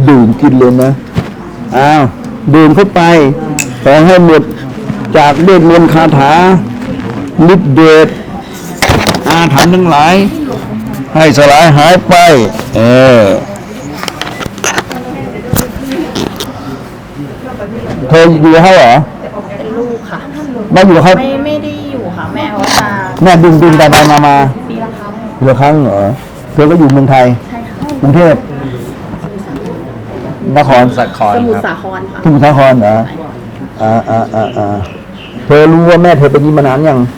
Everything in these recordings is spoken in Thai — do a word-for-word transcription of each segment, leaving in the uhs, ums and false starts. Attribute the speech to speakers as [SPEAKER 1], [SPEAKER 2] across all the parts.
[SPEAKER 1] ดื่มกินเลยนะอ้าวดื่มเข้าไปขอให้หมดจากเวทมนต์คาถาฤทธิ์เดชอาถรรพ์ทั้งหลายให้สลายหายไปเออเธออยู่กับเขาเหรอ
[SPEAKER 2] เป็นลูกค่ะ
[SPEAKER 1] ไม่อยู่กับเขา
[SPEAKER 2] ไม่ไม่ได้อยู่ค่ะแม่เขาจะ
[SPEAKER 1] แม่บินบินไปไปมามา
[SPEAKER 2] ปีละครั้ง
[SPEAKER 1] ปีละครั้งเหรอเธอก็อยู่เมืองไทย
[SPEAKER 2] ใช่ค่ะ
[SPEAKER 1] กรุงเทพนคร
[SPEAKER 3] สาคร
[SPEAKER 2] สมุทร
[SPEAKER 3] ครับ
[SPEAKER 2] สาครค่ะ
[SPEAKER 1] สมุทรสาครเหรออ่าอ่าอ่าอ่าเธอรู้ว่าแม่เธอเป็นนี้มานานยัง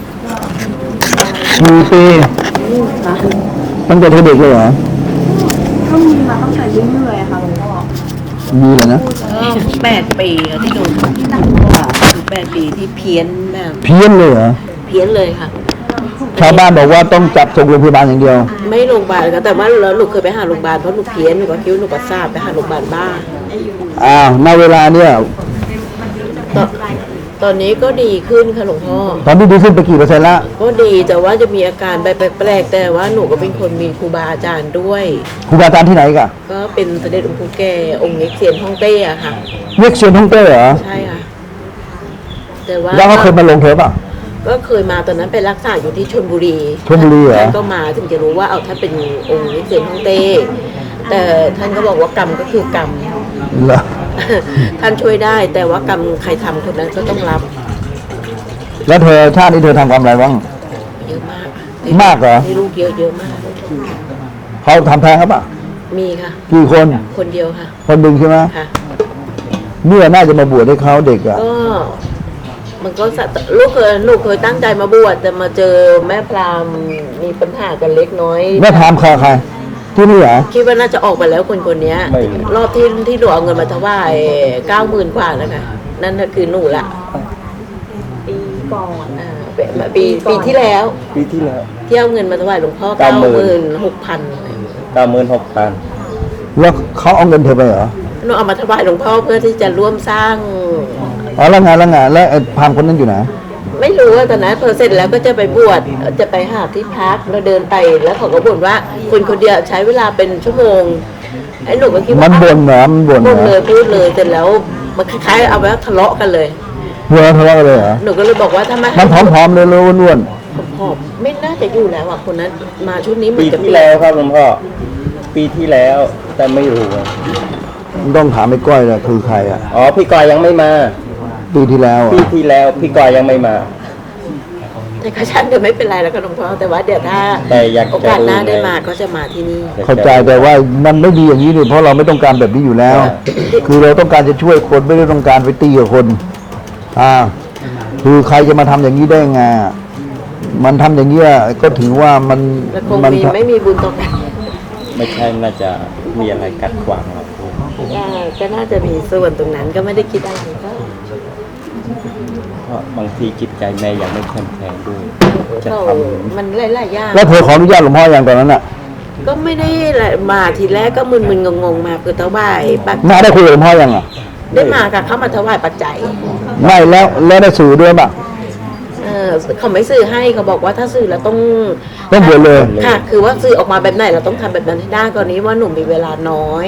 [SPEAKER 1] กี่ปี
[SPEAKER 2] ค่ะ
[SPEAKER 1] ตั้งแต่เธอเด็กเลยเหรอ
[SPEAKER 2] ก็มีมาตั้งแต่เรื่อยๆค่ะหลวงพ่อ
[SPEAKER 1] มีเลยนะ
[SPEAKER 4] แปดปีที่โดนแปดปีที่เพี้ยนแบบ
[SPEAKER 1] เพี้ยนเลยเหรอ
[SPEAKER 4] เพี้ยนเลยค่ะ
[SPEAKER 1] ชาวบ้านบอกว่าต้องจับส่งโรงพยาบาลอย่างเดียว
[SPEAKER 4] ไม่โรงพยาบาลค่ะแต่ว่าแล้วหนูเคยไปหาโรงพยาบาลเพราะหนูเพี้ยนหนูก็คิดว่าหนูประสาทไปหาโรงพยาบาลบ้า
[SPEAKER 1] อ้าวณเวลาเนี่ย
[SPEAKER 4] ตอนตอนนี้ก็ดีขึ้นค่ะหลวงพ่อ
[SPEAKER 1] ตอนนี้ดีขึ้นไปกี่เปอร์เซ็นต์ละ
[SPEAKER 4] ก็ดีแต่ว่าจะมีอาการแปลกๆแต่ว่าหนูก็เป็นคนมีครูบาอาจารย์ด้วย
[SPEAKER 1] ครูบาอาจารย์ที่ไหนกัน
[SPEAKER 4] ก็เป็นเสด็จหลวงปู่แก่องค์เอกเซียนฮ่องเต้อะค่ะ
[SPEAKER 1] เรียกเซียนฮ่องเต้เหรอ
[SPEAKER 4] ใช่ค่ะแต่ว่า
[SPEAKER 1] แล้วเขาเคยมาลงเทปอ่ะ
[SPEAKER 4] ก็เคยมาตอนนั้นไปรักษาอยู่ที่ชลบุรี
[SPEAKER 1] ชลบุรีเหรอ
[SPEAKER 4] ท่านก็มาถึงจะรู้ว่าเอาท่านเป็นองค์เอกเซียนฮ่องเต้แต่ท่านก็บอกว่ากรรมก็คือกรรม
[SPEAKER 1] เหรอ
[SPEAKER 4] ท่านช่วยได้แต่ว่ากรรมใครทำคนนั้นก็ต้องรับ
[SPEAKER 1] แล้วเธอชาตินี้เธอทำกรรมอะไรบ้าง
[SPEAKER 4] เยอะมาก
[SPEAKER 1] มากเหรอ
[SPEAKER 4] มีลูกเยอะเยอะมาก
[SPEAKER 1] เขาทำแท้งครับป่ะ
[SPEAKER 4] มีค่ะ
[SPEAKER 1] กี่คน
[SPEAKER 4] คนเดียวค่ะ
[SPEAKER 1] คนหนึ่งใช่ไหม
[SPEAKER 4] ค่ะ
[SPEAKER 1] เมื่อน่าจะมาบวชให้เขาเด็กอ่ะ
[SPEAKER 4] ก็มันก็ลูกเคยลูกเคยตั้งใจมาบวชแต่มาเจอแม่พราหมณ์มีปัญหากันเล็กน้อย
[SPEAKER 1] แม่พราหมณ์ใครใครที่นี่เหรอ
[SPEAKER 4] คิดว่าน่าจะออกไปแล้วคนคนนี้รอบที่ที่หนูเอาเงินมาถวายเก้าหมื่นกว่าแล้วค่ะนั่นก็คือหนูละ
[SPEAKER 2] ปีก่อน
[SPEAKER 4] อ่าปีปีที่แล้ว
[SPEAKER 3] ปีที่แล้ว
[SPEAKER 4] ที่เอาเงินมาถวายหลวงพ่อเก้าหมื่นหกพัน
[SPEAKER 3] เก้าหมื่นหกพัน
[SPEAKER 1] แล้วเขาเอาเงินเธอไปเหรอ
[SPEAKER 4] หนูเอามาถวายหลวงพ่อเพื่อที่จะร่วมสร้าง
[SPEAKER 1] อ๋อแล้วไงแล้วไงแล้วพามคนนั้นอยู่ไหน
[SPEAKER 4] ไม่รู้ว่าตอนนั้นพอเสร็จแล้วก็จะไปบวชจะไปหาที่พักเราเดินไปแล้วเขาก็บ่นว่าคนคนเดียวใช้เวลาเป็นชั่วโมงไอ้หนูก็คิดว่า
[SPEAKER 1] มันบ่นเหรอมันบ่น
[SPEAKER 4] บ่นเลยพูดเลยเสร็จแล้วมันคล้ายๆเอาไว้ทะเลาะกันเลย
[SPEAKER 1] เพื่อทะเลาะกันเลยเหรอ
[SPEAKER 4] หนูก็เลยบอกว่าถ้าไม่
[SPEAKER 1] มันผอมๆเลยเลยอ้วน
[SPEAKER 4] ๆผอมไม่น่าจะอยู่แล้วอ่ะคนนั้นมาชุดนี้
[SPEAKER 3] ปีที่แล้วครับหลวงพ่อปีที่แล้วแต่ไม่รู้
[SPEAKER 1] ต้องถามไอ้ก้อยแหละคือใครอ่ะ
[SPEAKER 3] อ๋อพี่ก้อยยังไม่มา
[SPEAKER 1] ปีที่แล้ว
[SPEAKER 3] ปีที่แล้วพี่ก้อยยังไม่มา
[SPEAKER 4] แต่ข้าฉันเดี๋ยวไม่เป็นไรแล้วก็หลวงพ่อแต่ว่าเดี๋ยวถ้าโอกาสหน้าได้มาก็จะมาที่นี่
[SPEAKER 1] เข้าใจแต่ว่ามันไม่ดีอย่างนี้เลยเพราะเราไม่ต้องการแบบนี้อยู่แล้วคือเราต้องการจะช่วยคนไม่ได้ต้องการไปตีกับคนอ่าคือใครจะมาทำอย่างนี้ได้ไงมันทำอย่างนี้ก็ถือว่ามัน
[SPEAKER 4] มันไม่มีบุญต่อกัน
[SPEAKER 3] ไม่ใช่น่าจะมีอะไรกัดขวางเรา
[SPEAKER 4] ก็น่าจะมีส่วนตรงนั้นก็ไม่ได้คิดอะไรก็
[SPEAKER 3] เพราะบางทีจิตใจแม่ยังไม่แข็งแรงด้วย
[SPEAKER 4] จะทำมันหลายๆอย่าง
[SPEAKER 1] แล้วเธอขออนุญาตหลวงพ่ออย่างตอนนั้นอ่ะ
[SPEAKER 4] ก็ไม่ได้มาทีแรกก็มึนๆงงๆมาคือถวายปัจจัย
[SPEAKER 1] มาได้คุยกับหลวงพ่อยังอ่ะ
[SPEAKER 4] ได้มาค่ะเข้ามาถวายปัจจัย
[SPEAKER 1] ไม่แล้วแล้วได้สื่อด้วยป่ะ
[SPEAKER 4] เออเขาไม่สื่อให้เขาบอกว่าถ้าสื่อแล้วต้อง
[SPEAKER 1] ต้องบวชเลย
[SPEAKER 4] ค่ะคือว่าสื่อออกมาแบบไหนเราต้องทำแบบนั้นให้ได้ก่อนนี้ว่าหนุ่มมีเวลาน้อย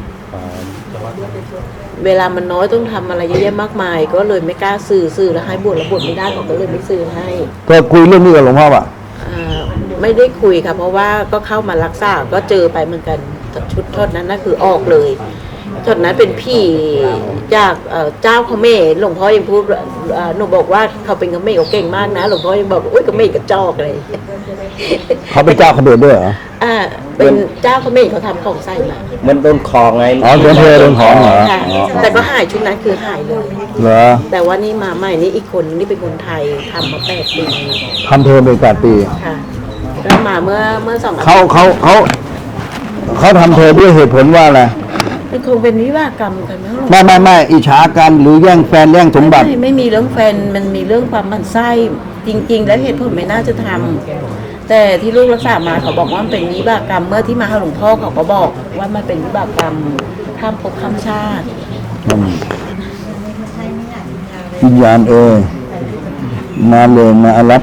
[SPEAKER 4] เวลามันน้อยต้องทำอะไรเยอะแยะมากมายก็เลยไม่กล้าสื่อสื่อแล้วให้บวชแล้วบวชไม่ได้เขาก็เลยไม่สื่อให้
[SPEAKER 1] ก็คุยเรื่องนี้กับหลวงพ่อป่ะ
[SPEAKER 4] ไม่ได้คุยค่ะเพราะว่าก็เข้ามารักษาก็เจอไปเหมือนกันชุดทอดนั้นน่ะคือออกเลยทอดนั้นเป็นพี่จากเจ้าเขมรหลวงพ่อยังพูดหนูบอกว่าเขาเป็นเขมรเขาเก่งมากนะหลวงพ่อยังบอกอุ้ยเขมรกระจอกเลย
[SPEAKER 1] เขาเป็นเจ้าเขมรด้วยเหรอ
[SPEAKER 4] อ่าเป็นเจ้าเขมรเขาทำของใส่มา
[SPEAKER 3] มันโดนคอไง
[SPEAKER 1] อ๋อโดนเธอโดนของเหรอ
[SPEAKER 4] แต่ก็หายชุดนั้นคือหายเลย
[SPEAKER 1] เหรอ
[SPEAKER 4] แต่ว่านี่มาใหม่นี่อีกคนนี่เป็นคนไทยทำมาแปดปี
[SPEAKER 1] ทำเธอเป็นแปดปี
[SPEAKER 4] ค่ะแล้วมาเมื่อเมื่อสอง
[SPEAKER 1] เขาเขาเขาเขาทำเธอด้วยเหตุผลว่าอะไร
[SPEAKER 4] มันคงเป็นวิวากรรมกันไหม
[SPEAKER 1] ไม่ไม่ไม่อิจฉากันหรือแย่งแฟนแย่งสมบัติ
[SPEAKER 4] ไม่ไม่มีเรื่องแฟนมันมีเรื่องความหมั่นไส้จริงๆแล้วเหตุผลไม่น่าจะทำแต่ที่ลูกรักษามาเขาบอกว่ามันเป็นวิบากกรรมเมื่อที่มาหาหลวงพ่อเขาก็บอกว่ามันเป็นวิบากกรรมข้ามภพข้ามชาติ
[SPEAKER 1] วิญญาณเออมาเลยมารับ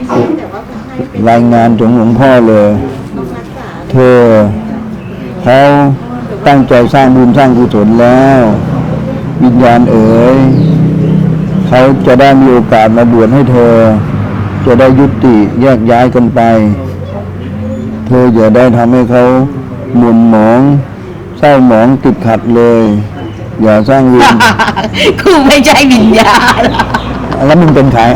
[SPEAKER 1] รายงานของหลวงพ่อเลยเธอเขาตั้งใจสร้างบุญสร้างกุศลแล้ว วิญญาณเอ๋ยเขาจะได้มีโอกาสมาบวชให้เธอ จะได้ยุติแยกย้ายกันไป เธออย่าได้ทำให้เขาหมุนหมองเศร้าหมองติดขัดเลย อย่าสร้างเวร
[SPEAKER 4] กูไม่ใช่วิญญาณ
[SPEAKER 1] แล้วมึงเป็นใคร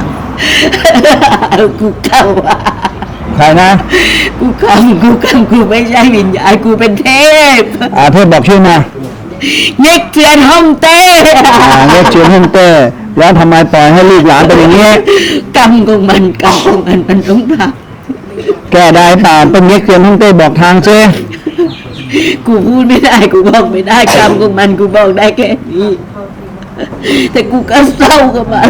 [SPEAKER 4] กูเข้าว่า
[SPEAKER 1] ใครนะ
[SPEAKER 4] กูคำกูคำกูไม่ใช่วิญญาณกูเป็นเทพ
[SPEAKER 1] อาเทพบอกชื่อมา
[SPEAKER 4] เย็กเทียนห้องเต้
[SPEAKER 1] อ่าเรียกเชิญห้องเต้แล้วทำไมปล่อยให้ลูกหลานเป็นอย่างนี้
[SPEAKER 4] กรรมของมันกรรมของมันมันต้องท
[SPEAKER 1] แก้ได้เปล่าเป็นเรียกเชิญห้องเต้บอกทางซิ
[SPEAKER 4] ำกูพูดไม่ได้กูบอกไม่ได้กรรมของมันกูบอกได้แค่นี้แต่กูก็เศร้ากับมัน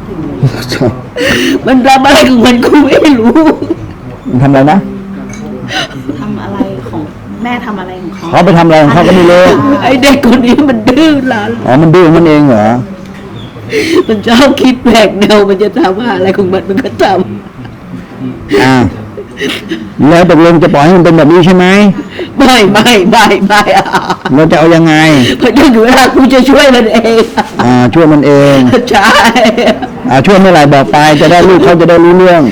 [SPEAKER 4] มันทำอะไรของมันกูไม่รู้
[SPEAKER 1] มันทำอะไรนะ
[SPEAKER 2] ทำอะไรของแม่ทำอะไรของเขา
[SPEAKER 1] เขาไปทำอะไรของเขาก็ไม่รู้
[SPEAKER 4] ไอ้เด็กคนนี้มันดื้อรั้น
[SPEAKER 1] อ๋อมันดื้อมันเองเหรอ
[SPEAKER 4] มันชอบคิดแปลกแนวมันจะทำอะไรของมันมันก็ท
[SPEAKER 1] อ่าแล้วตกลงจะปล่อยให้มันเป็นแบบนี้ใช่ไหม
[SPEAKER 4] ำไม่ไม่ไม่ไม่อ่ะ
[SPEAKER 1] เราจะเอายังไง
[SPEAKER 4] พอถึงเวลากูจะช่วยมันเอง
[SPEAKER 1] อ่าช่วยมันเอง
[SPEAKER 4] ใช่
[SPEAKER 1] อ่าช่วยเมื่อไหร่บอกไปจะได้ลูกเขาจะได้รู้เรื่อง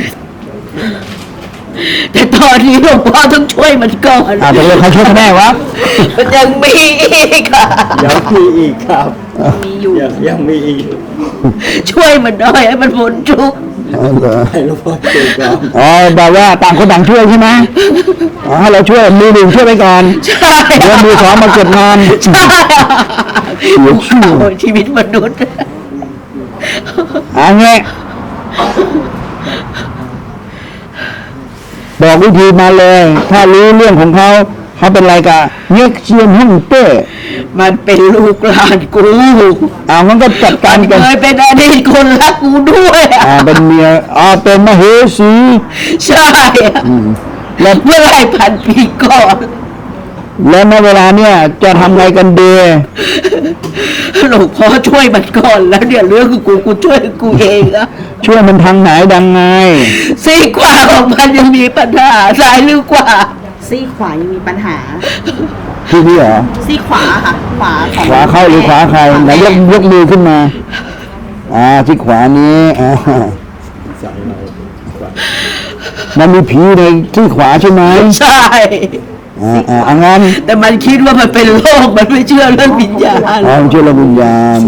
[SPEAKER 4] แต่ตอนนี้หลวงพ่อต้องช่วยมันก่อน
[SPEAKER 1] อ่าตกลงเขาช่วยเขาแน่วะ
[SPEAKER 4] มันยังมีอีกอ่ะ
[SPEAKER 3] ยังมีอีกครับ
[SPEAKER 2] มีอยู่
[SPEAKER 3] ยังยังมีอีก
[SPEAKER 4] ช่วยมันหน่อยให้มันพ้นทุกข์
[SPEAKER 1] อ๋อเหรอ
[SPEAKER 3] ให้หลวงพ่อช่วยก่อน
[SPEAKER 1] อ๋อแบบว่าต่างคนต่างช่วยใช่ไหมอ๋อให้เราช่วยมือหนึ่งช่วยไปก่อน
[SPEAKER 4] ใช่
[SPEAKER 1] เดี๋ยวมือสองมาเก็บงาน
[SPEAKER 4] ใช่
[SPEAKER 1] เสียชื่อ
[SPEAKER 4] โอ้ยชีวิตมนุษย์
[SPEAKER 1] อ่าเงี้ยบอกวิธีมาเลย ถ้ารู้เรื่องของเขาเขาเป็นอะไรกะเงี้ยเชียนหุ่นเต้
[SPEAKER 4] มันเป็นลูกหลานกู
[SPEAKER 1] อ่ามันก็จัดการ
[SPEAKER 4] มัน
[SPEAKER 1] กัน
[SPEAKER 4] เคยเป็นอดีตคนรักกูด้วยอ่ะ
[SPEAKER 1] อ่าเป็นเมียอ่าเป็นมเหสี
[SPEAKER 4] ใช่อ่ะ
[SPEAKER 1] แล้ว
[SPEAKER 4] เมื่อไหรพันปีก่อน
[SPEAKER 1] แล้วในเวลาเนี่ยจะทำไงกันดี
[SPEAKER 4] หลวงพ่อช่วยมันก่อนแล้วเดี๋ยวเรื่องของกูกูช่วยกูเองอะ
[SPEAKER 1] ช่วยมันทางไหนดังไง
[SPEAKER 4] ซีกขวาของมันยังมีปัญหาซ้ายหรือขวา
[SPEAKER 2] ซี่ขวายังมีปัญหา
[SPEAKER 1] พี่พี่เหรอ
[SPEAKER 2] ซี่ขวาค่ะ ขวาของ
[SPEAKER 1] ขวาเข้าหรือขวาใครไหนยกยกมือขึ้นมา อ่าที่ขวานี้อ่า
[SPEAKER 3] สายเรากว่า
[SPEAKER 1] มันมีผีในที่ขวาใช่ไหม
[SPEAKER 4] ใช่
[SPEAKER 1] อ่าอ่าอ่างั้น
[SPEAKER 4] แต่มันคิดว่ามันเป็นโรคมันไม่เชื่อเรื่องวิญญาณ
[SPEAKER 1] อ๋อเชื่อระวิญญาณ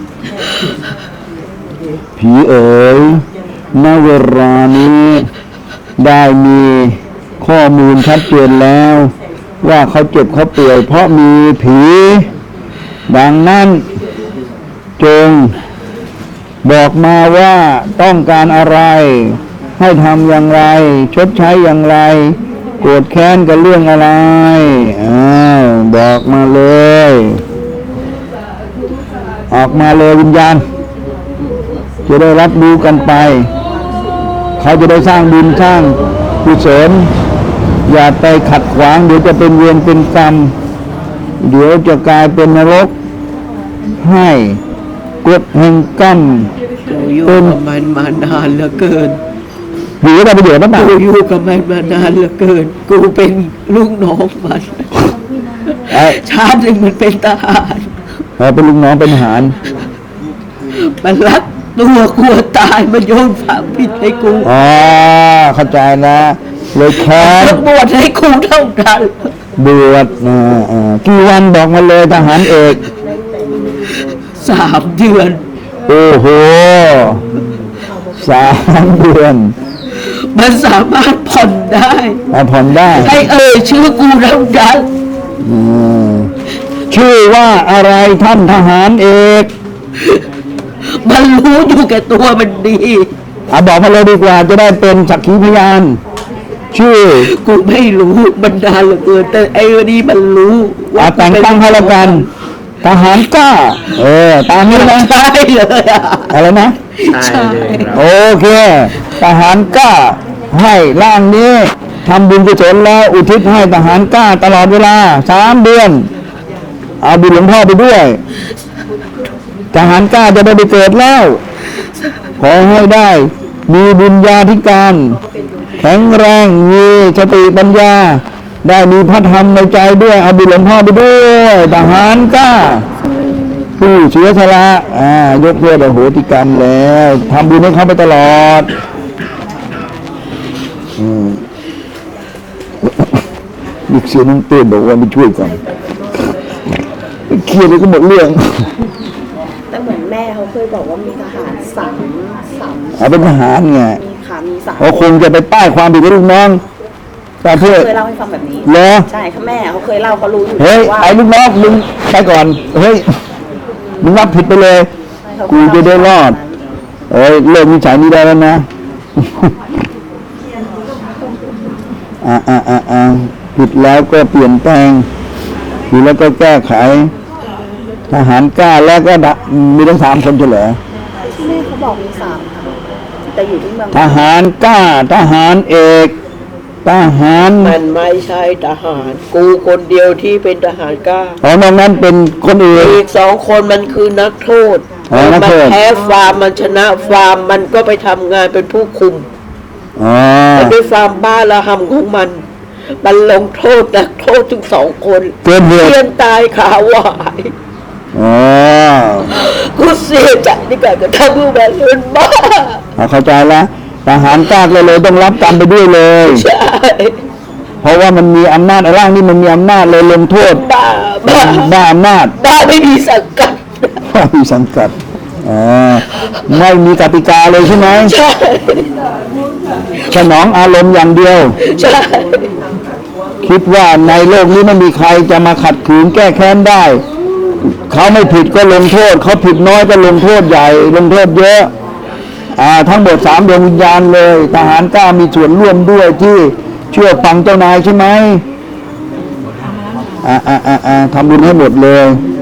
[SPEAKER 1] ผีเอ๋ยณเวลานี้ได้มีข้อมูลชัดเจนแล้ว ว่าเขาเจ็บเขาป่วยเพราะมีผี ดังนั้น จง บอกมาว่าต้องการอะไร ให้ทำอย่างไร ชดใช้อย่างไร โกรธแค้นกับเรื่องอะไรอ้าวบอกมาเลย ออกมาเลยวิญญาณ จะได้รับรู้กันไป เขาจะได้สร้างบุญสร้างกุศลอย่าไปขัดขวางเดี๋ยวจะเป็นเวรเป็นกรรม เดี๋ยวจะกลายเป็นนรก ให้กฎแห่งกรรม
[SPEAKER 4] กูอยู่กับมันมานานเหลือเกิน
[SPEAKER 1] อยู่ได้ประโยชน์หรือเปล่า
[SPEAKER 4] กูอยู่กับมันมานานเหลือเกิน กูเป็นลูกน้องมัน
[SPEAKER 1] เอ้ย
[SPEAKER 4] ชาติหนึ่งมันเป็นทหาร
[SPEAKER 1] เออเป็นลูกน้องเป็นทหาร
[SPEAKER 4] มันรักตัวกลัวตายมันโยนความผิดให้กู
[SPEAKER 1] อ๋อเข้าใจแล้วเลยแค้น
[SPEAKER 4] แล้วบวชให้กูเท่านั้น
[SPEAKER 1] บวชอ่าอ่ากี่วันบอกมาเลยทหารเอก
[SPEAKER 4] สามเดือน
[SPEAKER 1] โอ้โหสามเดือน
[SPEAKER 4] มันสามารถผ่อนได้
[SPEAKER 1] มาผ่อนได้
[SPEAKER 4] ให้เอ่ยชื่อกูเท่านั้น
[SPEAKER 1] อืมชื่อว่าอะไรท่านทหารเอก
[SPEAKER 4] มันรู้อยู่แก่ตัวมันดี
[SPEAKER 1] อ่ะบอกมาเลยดีกว่าจะได้เป็นสักขีพยาน ชื่อ
[SPEAKER 4] กูไม่รู้มันนานเหลือเกินแต่ไอ้วันนี้มันรู้
[SPEAKER 1] อ่ะแต่งตั้งให้แล้วกัน ทหารกล้า เออ ตามนี้นะ
[SPEAKER 4] ใช่เลยอ่ะ
[SPEAKER 1] อะไรนะ
[SPEAKER 3] ใช่เลยครับ
[SPEAKER 1] โอเค ทหารกล้า ให้ร่างนี้ทำบุญกุศลแล้วอุทิศให้ทหารกล้าตลอดเวลาสามเดือน เอาบุญหลวงพ่อไปด้วย ทหารกล้าจะได้ไปเกิดแล้ว ขอให้ได้ มีบุญญาธิการ แข็งแรงมีสติปัญญาได้มีพระธรรมในใจด้วยเอาบุญหลวงพ่อไปด้วยทหารกล้าผู้เสียสละอ่ายกเลิกอโหติกรรมแล้วทำบุญให้เขาไปตลอดอืมมีเสียงน้องเต้นบอกว่าไปช่วยก่อนเครียดเลยก็หมดเรื่อง
[SPEAKER 2] แต่เหมือนแม่เขาเคยบอกว่ามีทหารสามสาม
[SPEAKER 1] เอาเป็นทหารไง
[SPEAKER 2] มีขามีสาม
[SPEAKER 1] เขาคงจะไปป้ายความผิดให้ลูกน้องแต่เพื่อ
[SPEAKER 2] เคยเล่าให้ฟังแบบนี้
[SPEAKER 1] เหรอ
[SPEAKER 2] ใช่ค่ะแม่เขาเคยเล่าเขารู้อยู่
[SPEAKER 1] เฮ้ย
[SPEAKER 2] ว่า
[SPEAKER 1] ไอ้ลูกน้องมึงไปก่อนเฮ้ยมึงรับผิดไปเลย
[SPEAKER 2] เขา
[SPEAKER 1] กูจะได้รอดเอ้ยเลิกนิสัยนี้ได้แล้วนะ อ่าอ่าอ่าอ่าผิดแล้วก็เปลี่ยนแปลงผิดแล้วก็แก้ไข ทหารกล้าแล้วก็ดะมีทั้งสามคนเฉลย
[SPEAKER 2] แม่เขาบอกมีสามค่ะแต่อยู่ที่เมือง
[SPEAKER 1] ทหารกล้าทหารเอกทหาร
[SPEAKER 4] มันไม่ใช่ทหาร กูคนเดียวที่เป็นทหารกล้า
[SPEAKER 1] อ๋อนอกนั้นเป็นคนอื่น
[SPEAKER 4] อีกสองคนมันคือนักโทษ
[SPEAKER 1] อ๋อนัก
[SPEAKER 4] มั
[SPEAKER 1] โทษ
[SPEAKER 4] แพ้ฟาร์มมันชนะฟาร์มมันก็ไปทำงานเป็นผู้คุม
[SPEAKER 1] อ๋อ
[SPEAKER 4] มันด้วยฟาร์มบ้าระหำของมัน มันลงโทษนักโทษถึงสองคน
[SPEAKER 1] เกินเหตุ
[SPEAKER 4] เพียนตายขาหวาย
[SPEAKER 1] อ๋อ
[SPEAKER 4] กูเสียใจในการกระทำผู้แบบเป็นบ้า
[SPEAKER 1] เอาเข้าใจแล้วทหารกล้าก็เลยต้องรับกรรมไปด้วยเลย
[SPEAKER 4] ใช่
[SPEAKER 1] เพราะว่ามันมีอำนาจไอ้ร่างนี่มันมีอำนาจเลยลงโทษ
[SPEAKER 4] บ้าบ้า
[SPEAKER 1] บ้าอำนาจ
[SPEAKER 4] บ้าไม่มีสังกัด
[SPEAKER 1] ไม่มีสังกัดอ๋อไม่มีกติกาเลยใช่ไหม
[SPEAKER 4] ใช่
[SPEAKER 1] สนองอารมณ์อย่างเดียว
[SPEAKER 4] ใช่
[SPEAKER 1] คิดว่าในโลกนี้ไม่มีใครจะมาขัดขืนแก้แค้นได้ เขาไม่ผิดก็ลงโทษ เขาผิดน้อยก็ลงโทษใหญ่ ลงโทษเยอะ อ่า ทั้งหมดสามดวงวิญญาณเลย ทหารกล้ามีส่วนร่วมด้วยที่เชื่อฟังเจ้านายใช่ไหมอ่าอ่าอ่าอ่าทำบุญให้หมดเลย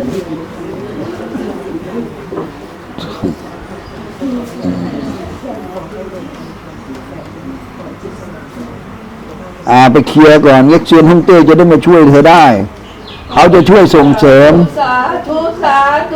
[SPEAKER 1] อ่าไปเคลียร์ก่อนเล็กเชียนฮ่องเต้จะได้มาช่วยเธอได้ เขาจะช่วยส่งเสริม
[SPEAKER 4] สาธุสาธุ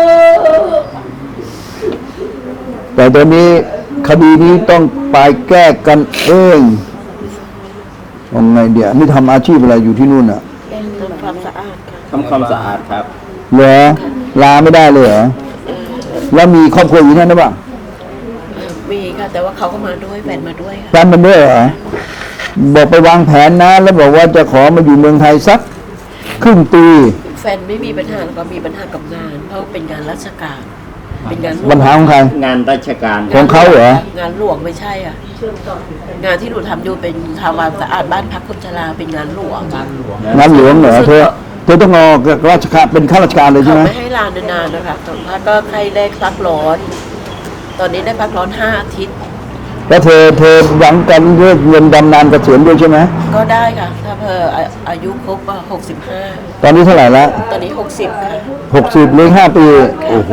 [SPEAKER 1] แต่ตอนนี้คดีนี้ต้องไปแก้กันเองยังไงเดี๋ยวนี่ทำอาชีพอะไรอยู่ที่นู่นอ่ะ
[SPEAKER 2] เป็นเหมือน
[SPEAKER 4] ทำความสะอาดค่ะ
[SPEAKER 3] ทำความสะอาดครับ
[SPEAKER 1] เหรอลาไม่ได้เลยเหรอแล้วมีครอบครัวอยู่นั่นหรือเปล่า
[SPEAKER 4] มีค่ะ แต่ว่าเขาก็มาด้วยแฟนมาด้วยค่ะ
[SPEAKER 1] แฟนมันด้วยเหรอบอกไปวางแผนนะ แล้วบอกว่าจะขอมาอยู่เมืองไทยสักครึ่งปี
[SPEAKER 4] แฟนไม่มีปัญหาแล้วก็มีปัญหากับงาน เพราะเป็นงานราชการ เป็นงานหลวง
[SPEAKER 1] ปัญหาของใคร
[SPEAKER 3] งานราชการ
[SPEAKER 1] ของเขาเหรอ
[SPEAKER 4] งานหลวงไม่ใช่อ่ะ งานที่หนูทำอยู่เป็นทำความสะอาดบ้านพักคนชราเป็นงานหลวง
[SPEAKER 1] งานหลวงเหรอเธอเธอต้องรอราชการเป็นข้าราชการเลยใช่
[SPEAKER 4] เขา
[SPEAKER 1] ไหม
[SPEAKER 4] ไม่ให้ลานานๆนะคะสัมภาษณ์ก็ใครได้พักร้อน ตอนนี้ได้พักร้อนห้าอาทิตย์
[SPEAKER 1] แล้วเธอเธอหวังกันเรื่องเงินบำนาญเกษียณด้วยใช่ไหม
[SPEAKER 4] ก็ได้ค่ะ ถ้าเพออาอายุครบหกสิบห้า
[SPEAKER 1] ตอนนี้เท่าไหร่ละ
[SPEAKER 4] ตอนนี้หกสิบค่ะ
[SPEAKER 1] หกสิบเลยห้าปี โอ้โห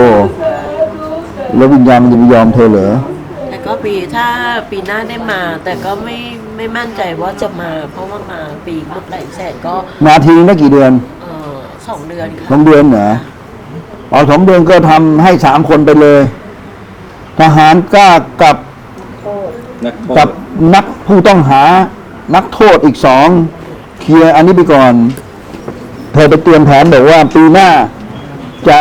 [SPEAKER 1] แล้ววิญญาณมันจะไม่ยอมเธอเหรอ
[SPEAKER 4] แต่ก็ปีถ้าปีหน้าได้มา แต่ก็ไม่ไม่มั่นใจว่าจะมา เพราะว่ามาปีหมดหลายแสนก็
[SPEAKER 1] มาทีได้กี่เดือน
[SPEAKER 4] เออสองเดือน
[SPEAKER 1] สอ
[SPEAKER 4] ค่ะ
[SPEAKER 1] งเดือนเหรอเอาสองเดือนก็ทำให้สามคนไปเลย ทหารกล้ากับ
[SPEAKER 3] นักโทษ
[SPEAKER 1] กับนักผู้ต้องหา นักโทษอีกสองเคลียร์อันนี้ไปก่อน เธอไปเตรียมแผนบอกว่าปีหน้าจะ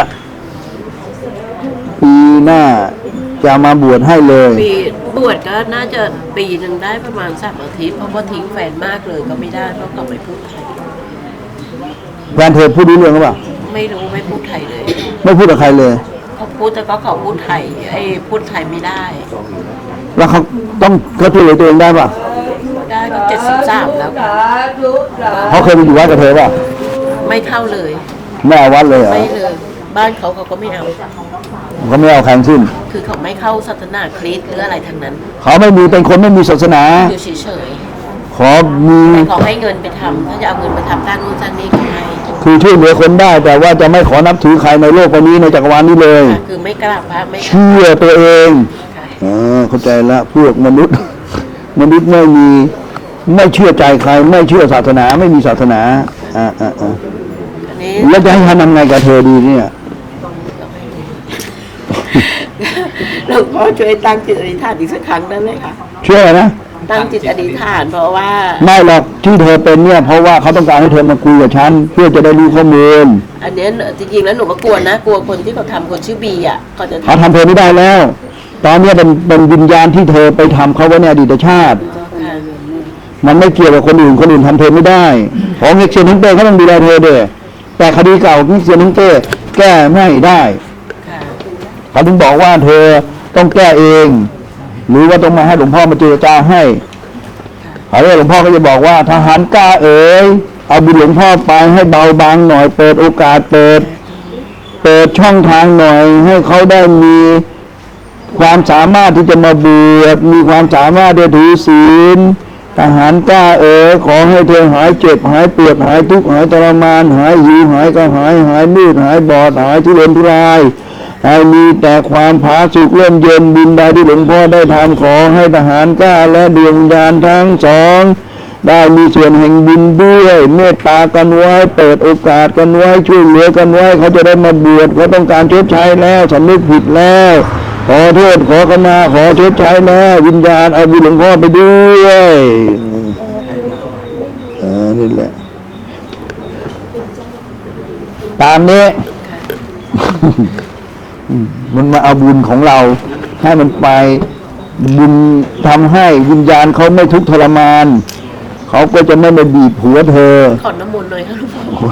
[SPEAKER 1] ปีหน้าจะมาบวชให้เลย
[SPEAKER 4] ปีบวชก็น่าจะปีหนึ่งได้ประมาณสามอาทิตย์เพราะว่าทิ้งแฟนมากเลยก็ไม่ได้เพราะเขาไม่พูดไทย
[SPEAKER 1] แฟนเธอพูดรู้เรื่องหรือเปล่า
[SPEAKER 4] ไม่รู้ไม่พูดไทยเลย
[SPEAKER 1] ไม่พูดกับใครเลย
[SPEAKER 4] เขาพูดแต่ก็เขาพูดไทยไอ้พูดไทยไม่ได้
[SPEAKER 1] แล้วเขาต้องเขาช่วยเหลือตัวเองได้ป่ะ
[SPEAKER 4] ได้ก็เจ็ดสิบสามแล้วค่ะ
[SPEAKER 1] เขาเคยไปอยู่วัดกับเธอป่ะ
[SPEAKER 4] ไม่เข้าเลย
[SPEAKER 1] ไม่เอาวัดเลยเหรอ
[SPEAKER 4] ไม่เลย บ้านเขาเขาก็ไม่เอา
[SPEAKER 1] เขาไม่เอาใครทั้งสิ้น
[SPEAKER 4] คือเขาไม่เข้าศาสนาคริสต์หรืออะไรทั้งนั้น
[SPEAKER 1] เขาไม่มีเป็นคนไม่มีศาสนา
[SPEAKER 4] อยู่เฉย
[SPEAKER 1] ขอมี
[SPEAKER 4] ๆแต่เขาให้เงินไปทำถ้าจะเอาเงินไปทำด้านนู้นด้านนี้ก็ให้
[SPEAKER 1] คือช่วยเหลือคนได้ แต่ว่าจะไม่ขอนับถือใครในโลกใบนี้ในจักรวาลนี้เลย
[SPEAKER 4] ค่ะคือไม่กราบพระไม่
[SPEAKER 1] เชื่อตัวเอง
[SPEAKER 4] ค่ะ
[SPEAKER 1] เออเข้าใจละพวกมนุษย์ มนุษย์ไม่มีไม่เชื่อใจใคร ไม่เชื่อศาสนาไม่มีศาสนาอ่าอ่าอ่า
[SPEAKER 4] อันนี้
[SPEAKER 1] แล้วจะให้ทำไงกับเธอดีเนี่ย
[SPEAKER 4] หลวงพ่อช่วยตั้งจิตอธิษฐานอีกสักครั้งได้ไหมคะ
[SPEAKER 1] เชื่อนะ
[SPEAKER 4] ตั้งจิตอธิษฐานเพราะว่า
[SPEAKER 1] ไม่หรอกที่เธอเป็นเนี่ยเพราะว่าเขาต้องการให้เธอมาคุยกับฉันเพื่อจะได้รู้ข้อมูล
[SPEAKER 4] อันเนี้ยจริงๆแล้วหนูก็กลัวนะกลัวคนที่เขาทำคนชื่อบีอ่ะเขาจะ
[SPEAKER 1] เขาทำเธอไม่ได้แล้ว ตอนเนี้ยเป็นเป็นวิญญาณที่เธอไปทำเขาไว้ในอดีตชาติ
[SPEAKER 4] ค่ะ
[SPEAKER 1] มันไม่เกี่ยวกับคนอื่นคนอื่นทำเธอไม่ได้ของเอ็กเซนทั้งเต้เขาต้องดูแลเธอเด้อแต่คดีเก่าเอ็กเซนทั้งเต้แก้ไม่ได้
[SPEAKER 4] ค่ะ
[SPEAKER 1] เขาถึงบอกว่าเธอต้องแก้เอง หรือว่าต้องมาให้หลวงพ่อมาเจรจาให้เขาเรียกหลวงพ่อก็จะบอกว่าทหารกล้าเอ๋ยเอาบุญหลวงพ่อไปให้เบาบางหน่อยเปิดโอกาสเปิด เปิดช่องทางหน่อย ให้เขาได้มีความสามารถที่จะมาบวชมีความสามารถที่จะถือศีลทหารกล้าเอ๋ยขอให้เธอหายเจ็บหายปวดหายทุกข์หายทรมานหายหิวหายกระหายหายมืดหายบอดหายทุรนทุรายให้มีแต่ความผาสุกเริ่มเย็นบุญใดที่หลวงพ่อได้ทำขอให้ทหารกล้าและดวงวิญญาณทั้งสองได้มีส่วนแห่งบุญด้วยเมตตากันไว้เปิดโอกาสกันไว้ช่วยเหลือกันไว้เขาจะได้มาบวชเขาต้องการชดใช้แล้วสำนึกผิดแล้วขอโทษขอขมาขอชดใช้แล้ววิญญาณเอาบุญหลวงพ่อไปด้วยอ่านี่แหละตามนี้ มันมาเอาบุญของเราให้มันไปบุญทำให้วิญญาณเขาไม่ทุกข์ทรมานเขาก็จะไม่มาบีบหัวเธอ
[SPEAKER 4] ขอน้ำมนต์หน่อยค่ะหลวงพ่อ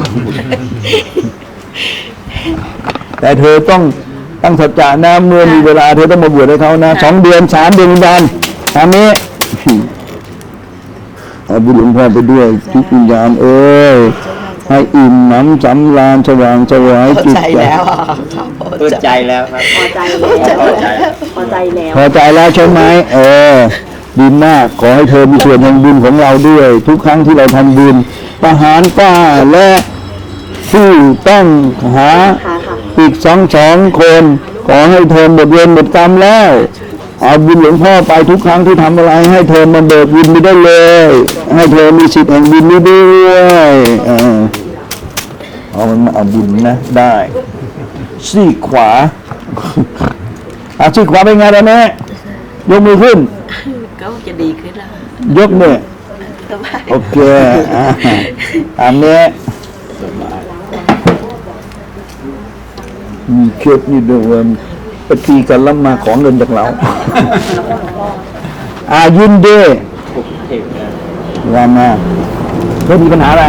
[SPEAKER 1] แต่เธอต้องตั้งสัจจะนะเมื่อมีเวลาเธอต้องมาบวชให้เขานะสองเดือนสามเดือนวิญญาณตามนี้ เอาบุญหลวงพ่อไปด้วยทุกวิญญาณเอ้ยให้อิ่มหนำสำราญสว่างสวายจิต
[SPEAKER 4] ใจแล้วอ่ะ
[SPEAKER 3] เปิดใจแล้วครับ
[SPEAKER 2] พอใจแล้วพอใจแล้ว
[SPEAKER 1] พอใจแล้วใช่ไหมเออดีมากขอให้เธอมีส่วนแห่งบุญของเราด้วย ทุกครั้งที่เราทำบุญทหารกล้าและผู้ต้องหา
[SPEAKER 2] ค่ะค่ะ
[SPEAKER 1] อีกสองสองคน ขอให้เธอหมดเวรหมดกรรมแล้วเอาบุญหลวงพ่อไปทุกครั้งที่ทำอะไรให้เธอมาเบิกบุญไปได้เลย ให้เธอมีสิทธิ์แห่งบุญนี้ด้วยเออเอามันมาเอาบุญนะได้ซี่ขวาอาซี่ขวาเป็นไงล่ะแม่ยกมือขึ้น
[SPEAKER 4] ก็จะดีขึ้นแล้ว
[SPEAKER 1] ยกมือ
[SPEAKER 4] สบาย
[SPEAKER 1] โอเคอ่าตามนี้มีเคล็ดนี่ด้วยว่าปฏิกันแล้วมาของเงินจากเรา อายินดี
[SPEAKER 3] เทพนะ
[SPEAKER 1] ว่ามาเธอมีปัญหาอะไร